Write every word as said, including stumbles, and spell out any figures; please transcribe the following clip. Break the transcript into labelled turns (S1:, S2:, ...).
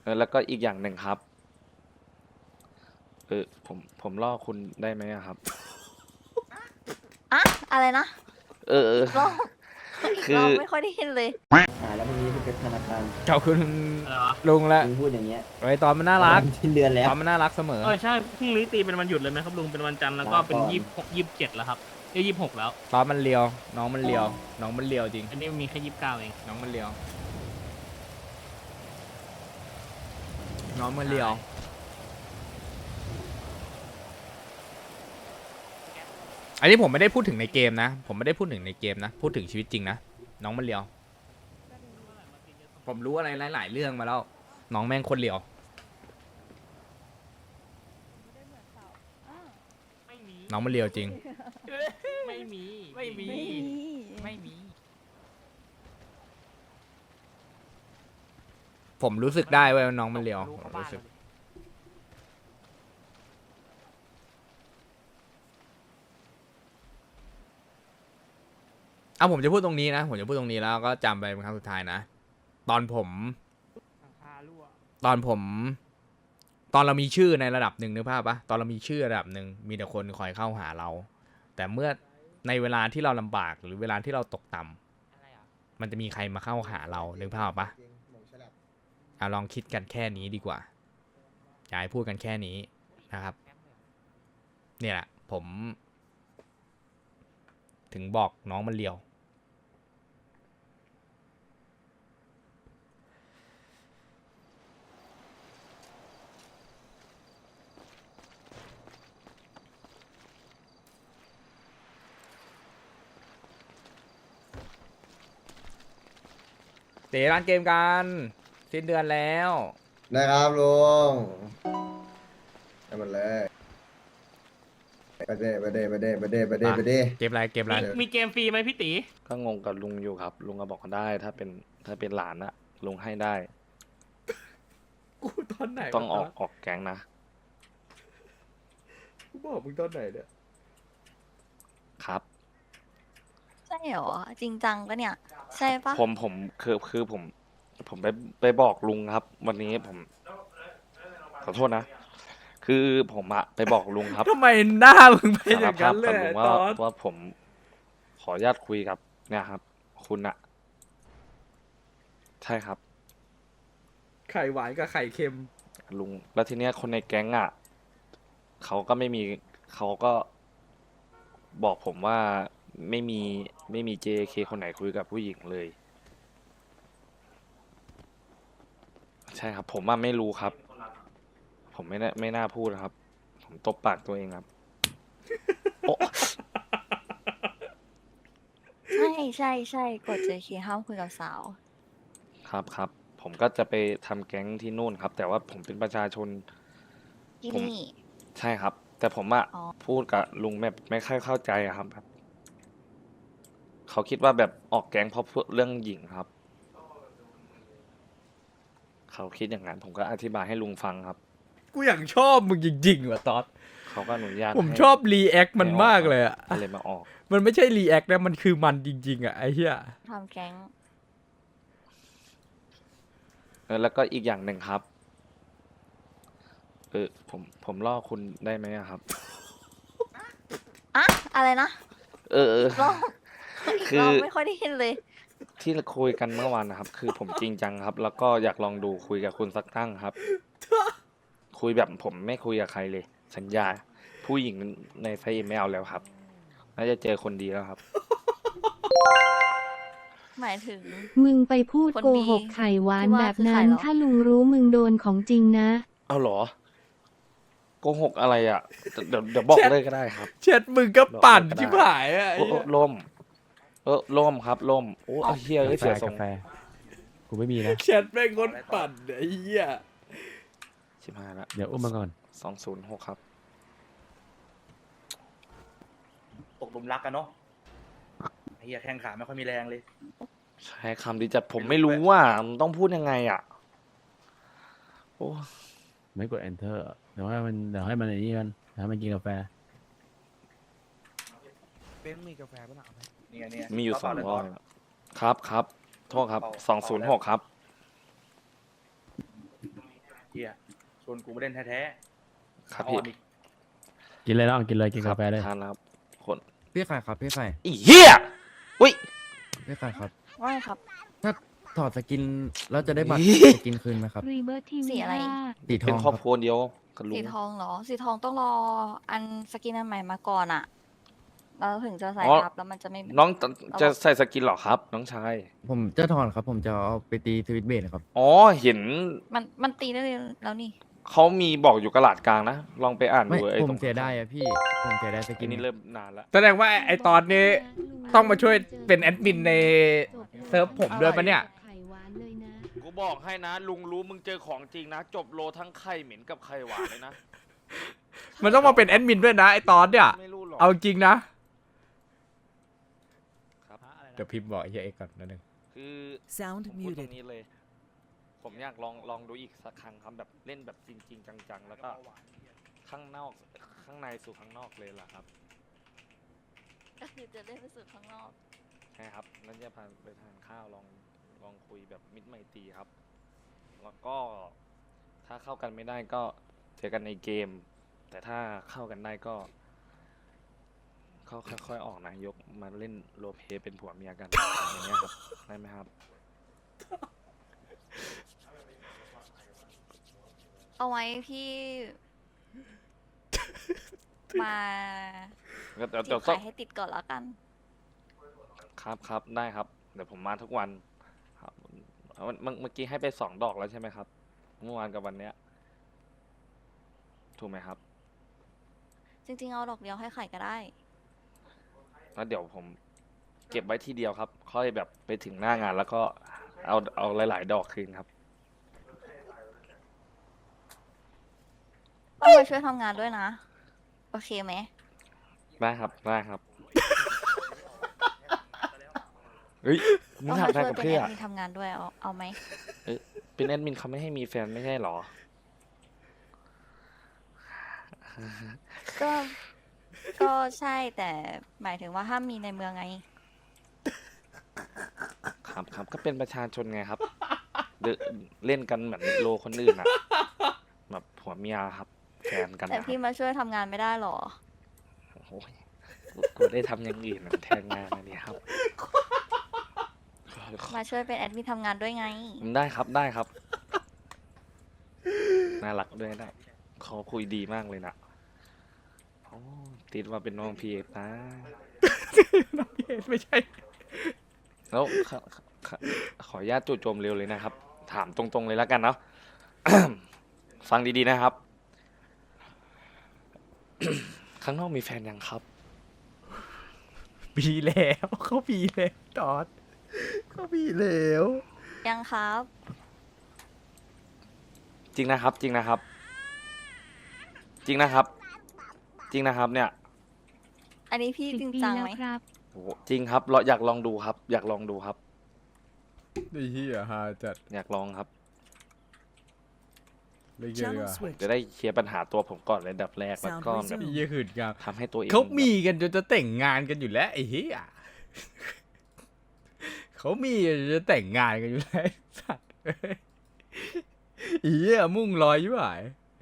S1: อแล้วก็อีกอย่างหนึ่งครับเออผมผมล่อคุณได้ไหมอะครับ
S2: อะอะไรนะ
S1: เออเออ
S2: อีกรอบอีก
S1: คือ
S2: รอบไม่ค่อยได้ยินเลย
S3: อ่าแล้ววันนี้คุณเป็นธนาคาร
S4: ขอบคุณ
S5: อะไรวะ
S4: ลุงละ
S3: คุณพูดอย่างเงี้ย
S4: ไว้ตอนมันน่ารัก
S3: สิ้นเดือนแล้ว
S4: ตอนมันน่ารักเสมอ
S5: เออใช่พรุ่งนี้ตีเป็นวันหยุดเลยไหมครับลุงเป็นวันจันทร์แล้วก็เป็น
S3: ลาก่อน
S5: ยี่สิบหกยี่สิบเจ็ดแล้วครับเอ้ยยี่สิบหกแล้ว
S4: ตอนมันเลียว น้องมันเลียว น้องมันเลียวจริง
S5: อันนี้มีแค่ยี่สิบเก้าเอง
S4: น้องมันเลียว น้องมันเลียว อันนี้ผมไม่ได้พูดถึงในเกมนะ ผมไม่ได้พูดถึงในเกมนะ พูดถึงชีวิตจริงนะ น้องมันเลียว ผมรู้อะไรหลายๆเรื่องมาแล้ว น้องแม่งคนเลียว
S5: ไม่มี
S4: น้องมันเลียวจริง
S5: ไม่มีไม่มี
S4: ไม่มี ผมรู้สึกได้เว้ยว่าน้องมันเลียวผมรู้สึก เอาผมจะพูดตรงนี้นะ ผมจะพูดตรงนี้แล้วก็จำไปเป็นครั้งสุดท้ายนะ ตอนผม ตอนผม ตอนเรามีชื่อในระดับหนึ่งนึกภาพปะตอนเรามีชื่อระดับหนึ่งมีแต่คนคอยเข้าหาเรา แต่เมื่อในเวลาที่เราลำบากหรือเวลาที่เราตกต่ำมันจะมีใครมาเข้าหาเรานึกภาพปะเอาลองคิดกันแค่นี้ดีกว่าอย่าให้พูดกันแค่นี้นะครับ เนี่ยแหละผม ถึงบอกน้องมันเลียว เตะร้านเกมกันสิ้นเดือนแล้ว
S6: นะครับลุงไปหมดเลยไปเด้ไปเด้ไปเด้ไปเด้ไปเด้ไปเด้
S4: เกมอะไรเกมอะไร
S5: มีมีเกมฟรีไหมพี่ตี
S1: ก็งงกับลุงอยู่ครับ ลุงก็บอกได้ ถ้าเป็นถ้าเป็นหลานอะลุงให้ได้
S4: กูตอนไหน
S1: ต้องออกออกแก๊งนะ
S4: กูบอกมึงตอนไหนเนี่ย
S1: ครับ
S2: ใช่เหรอ จริงจังปะเนี่ย ใช่ปะ
S1: ผมผมคือคือผม ผมไปไปบอกลุงครับ วันนี้ผมขอโทษนะ คือผมอะไปบอกลุงครับ
S4: ทำไมหน้ามึงเป็นอ
S1: สาร
S4: ย่าง
S1: ภา
S4: นั้
S1: พ
S4: นเล
S1: กับ
S4: ย
S1: ลุง
S4: ต
S1: ว่า
S4: อน
S1: ว่าผมขออนุญาตคุยกับเนี่ยครับ คุณอะใช่ครับ
S4: ไข่หวานกับไข่เค็ม
S1: ลุงแล้วทีเนี้ยคนในแก๊งอ่ะเขาก็ไม่มีเขาก็บอกผมว่าไม่มีไม่มี เจ เค คนไหนคุยกับผู้หญิงเลย ใช่ครับ ผมว่าไม่รู้ครับ ผมไม่น่าไม่น่าพูดครับ ผมตบปากตัวเองครับโอ้
S2: ใช่ใช่ใช่กดเจเคห้ามคุยกับสาว
S1: ครับครับผมก็จะไปทำแก๊งที่นู่นครับ แต่ว่าผมเป็นประชาชน
S2: ที่
S1: ผม
S2: นี่
S1: ใช่ครับ แต่ผมอะ
S2: อ๋อ
S1: พูดกับลุงแบบไม่ค่อยเข้าใจอะครับแบบเขาคิดว่าแบบออกแก๊งเพราะพูดเรื่องหญิงครับ เขาคิดอย่างนั้น ผมก็อธิบายให้ลุงฟังครับ
S4: กูอย่างชอบมึงจริงๆว่ะตอน
S1: เขาก็อนุญาต
S4: ผม
S1: ให้
S4: ชอบรีแอคมัน
S1: ให้ออก
S4: มากเลยอ่ะ
S1: ก็เลยมาออก
S4: มันไม่ใช่รีแอคนะ มันคือมันจริง ๆ อ่ะ ไอ้เหี้ย
S2: ทำแก๊ง
S1: เออแล้วก็อีกอย่างหนึ่งครับ เออผมผมล่อคุณได้ไหมอะครับ
S2: อะอะไรนะ
S1: เออเออ
S2: อีกรอบอีก
S1: คือ
S2: รอบไม่ค่อยได้ยินเลย
S1: ที่เราคุยกันเมื่อวานนะครับ คือผมจริงจังครับ แล้วก็อยากลองดูคุยกับคุณสักตั้งครับ คุยแบบผมไม่คุยกับใครเลย สัญญา ผู้หญิงในไฟเอ็มไม่เอาแล้วครับ น่าจะเจอคนดีแล้วครับ
S2: หมายถึง
S7: มึงไปพูด
S2: คน
S7: โก
S2: ดี
S7: หกไข่หวาน
S2: ที่ว่า
S7: แบบ
S2: คือใคร
S7: นั้น
S2: เหรอ
S7: ถ้าลุงรู้มึงโดนของจริงนะ
S1: เอาเหรอโกหกอะไรอ่ะ เดี๋ยวเดี๋ยวบอกเลยก็ได้ครับ
S4: เช็ดมึงก็ปั่น
S1: บอกเลยก็ได้
S4: ชิบหายอ่ะไอ้
S1: โอ้โอ้
S4: เหี้ย
S1: ล่ม เออล่มครับล่มโอ้เอาเฮียเอ้ยเสียทรง
S8: กูไม่มีนะ
S4: เช็ดแม่งคนปั่นไอ้เหี้ย
S1: ชิบหายละ
S8: เดี๋ยวอุ้มมาก่อน
S1: สองศูนย์หกครับ
S9: ตกหลุมรักกันเนาะไอ้เฮียแข้งขาไม่ค่อยมีแรงเลย
S1: ใช้คำดีจัดผมไม่รู้ว่ามันต้องพูดยังไงอ่ะ โอ้
S8: ไม่กด enter เดี๋ยวให้มันเดี๋ยวให้มันไอ้นี่กันเดี๋ยวให้มันกินกาแฟ
S9: เป็นมีกาแฟป่ะนะนี่ไงนี่ไง
S1: มีอยู่สอง
S9: เา
S1: ร้อย
S9: เปล่าเลย
S1: ครับครับ โทษครับ
S9: เปล่า
S1: สองศูนย์หกครับ
S9: เฮียชวนกูมาเล่นแท้ๆ
S1: ครับ
S9: อ่
S1: พี่
S9: อนอีก
S8: กินเลยน้องกินเลยกิน
S1: ครั
S8: กาแฟเลย
S1: ทานแล้วครับคน
S10: พี่ไข่ครับพี่ไข่
S1: อีเหี้ยอุ้ย
S10: พี่ไข่ครับ
S2: ว่าไงครับ
S10: ถ้าถอดสกินแล้วจะได้บัตร
S1: อี๋
S10: สกินคืนไหมครับ
S7: รีเบิร์ที
S2: สี
S7: วี
S2: อะไร
S10: สีท
S1: เป็
S10: อน ง
S1: ค
S10: ค
S1: ร
S10: รั
S1: อบบ ครัวเดียวกับลุ
S2: สี
S11: ง
S2: ทองเหรอ สีทองต้องรออันสกินอันใหม่มาก่อนอะแล้วถึงจะใส่
S1: อ๋อ
S2: ทับแล้วมันจะไม่
S1: น้องจะจะใส่สกินเหรอครับ น้องชาย
S10: ผมจะถอนครับ ผมจะเอาไปตีทวิตเบสครับ
S1: อ๋อเห็น
S2: มันมันตีได้เลยแล้วนี่
S1: เขามีบอกอยู่กระดาษกลางนะ ลองไปอ่าน
S10: ไม่
S1: ดูไอ้
S10: ผ
S1: ตร
S10: ม
S1: ง
S10: เสียดายอะพี่ ผมเสียดายส
S1: กิ
S10: กิ
S1: น
S10: น
S1: นี่เริ่มนานแล้ว
S4: แสดงว่าไอ้ไอตอนนี้ต้องมาช่วยเป็นแอดมินในเซิร์ฟผมด้วยปะเนี่ย
S7: ไข่หวานเลยนะ
S1: กูบอกให้นะ ลุงรู้มึงเจอของจริงนะ จบโลทั้งไข่เหม็นกับไข่หวานเลยนะ
S4: มันต้องมาเป็นแอดมินด้วยนะไอตอนเนี่ย
S1: ไม่รู้หรอก
S4: เอาจริงนะ
S1: ครับ
S4: เดี๋ยวพิมพ์บอกไอ้เหี้ยเอ็กซ์ก่อนนิดนึง
S1: คือ
S12: Sound
S1: ผมพูดตรง
S12: muted.
S1: นี้เลย ผมอยากลองลองดูอีกสักครั้งครับแบบเล่นแบบจริง ๆ จังๆ แล้วก็ข้างนอกข้างในสู่ข้างนอกเลยล่ะครับ
S2: ก็คือจะได้ไปสู่ข้างนอก
S1: ใช่ครับนั่นจะพาไปทานข้าวลองลองคุยแบบมิตรไมตรีครับ แล้วก็ถ้าเข้ากันไม่ได้ก็เจอกันในเกม แต่ถ้าเข้ากันได้ก็เขาค่อยๆออกนะยกมาเล่นโรลเพลย์เป็นผัวเมียกันอย่างเงี้ยครับได้ไหมครับ
S2: เอาไว้พี่ มา
S1: เดี๋ยวเดี๋ยว
S2: จี
S1: เดี๋ย
S2: บ
S1: วต้อ
S2: ขาง ยให้ติดก่อนแล้วกัน
S1: ครับครับได้ครับ เดี๋ยวผมมาทุกวันครับเอาเมื่อเมื่อกี้ให้ไปสองดอกแล้วใช่ไหมครับ เมื่อวานกับวันเนี้ยถูกไหมครับ
S2: จริงๆเอาดอกเดียวให้ไข่ก็ได้
S1: แล้วเดี๋ยวผมเก็บไว้ทีเดียวครับ ค่อยแบบไปถึงหน้างานแล้วก็เอาเอาหลาย ๆ ดอกคืนครับ
S2: ต้องมาช่วยทำงานด้วยนะ โอเคไหม
S1: ได้ครับได้ครับ เฮ้ยมึง
S2: ต้อง
S1: ถาม
S2: มา
S1: ได้
S2: ช่วย
S1: กับ
S2: เป็น
S1: เพื่อ
S2: แอดมินทำงานด้วยเอาเอาไหม
S1: เป็นแอดมินเขาไม่ให้มีแฟนไม่ใช่หรอ
S2: ก็ก็ใช่แต่หมายถึงว่าห้ามมีในเมืองไง
S1: ครับครับก็เป็นประชาชนไงครับเดนเล่นกันเหมือนโลคนอื่นอะแบบผัวเมียครับแฟนกัน
S2: แต่
S1: นะค
S2: พี่
S1: รับ
S2: มาช่วยทำงานไม่ได้หรอ
S1: โอ้ยกูได้ทำอย่างอื่นแทนงานอันนี้ครับ
S2: มาช่วยเป็นแอดมินทำงานด้วยไง
S1: ได้ครับได้ครับ น่ารักด้วยนะเขาคุยดีมากเลยนะโอ้ติดว่าเป็นน้องพีเอนะ
S4: น้องเอไม่ใช่
S1: แล้วขอขอขออนุญาตจู่โจมเร็วเลยนะครับ ถามตรงๆเลยแล้วกันเนาะ ฟังดีๆนะครับ ข้างนอกมีแฟนยังครับ
S4: ปีแล้วเขาปีแล้วตอนเขาปีแล้ว
S2: ยังครับ
S1: จริงนะครับ จริงนะครับ จริงนะครับ จริงนะครับ เนี่ย
S2: อันนี้พี่
S7: สิบ
S2: จริง
S7: ปี
S2: จัง
S7: แล้ว
S2: ไหม
S7: ครับ
S1: โอ้โหจริงครับเราอยากลองดูครับ อยากลองดูครับ
S4: ไอ้เหี้ยฮาจัด
S1: อยากลองครับ
S4: เลยเยอะ
S12: Channel
S4: อะ
S12: switch.
S1: จะได้เคลียร์ปัญหาตัวผมก่อนเลยอันดับแรกแล้วก็
S12: Sound
S1: แบบ
S4: ไอ้เหี้ยหืดกัน
S1: ทำให้ตัวเอง
S4: เขามีกันจนจะแต่งงานกันอยู่แล้วไอ้เหี้ยเขามีกันจนจะแต่งงานกันอยู่แล้วไอ้สัตว์ไอ้เหี้ยมุ่งลอยอยู่ไหน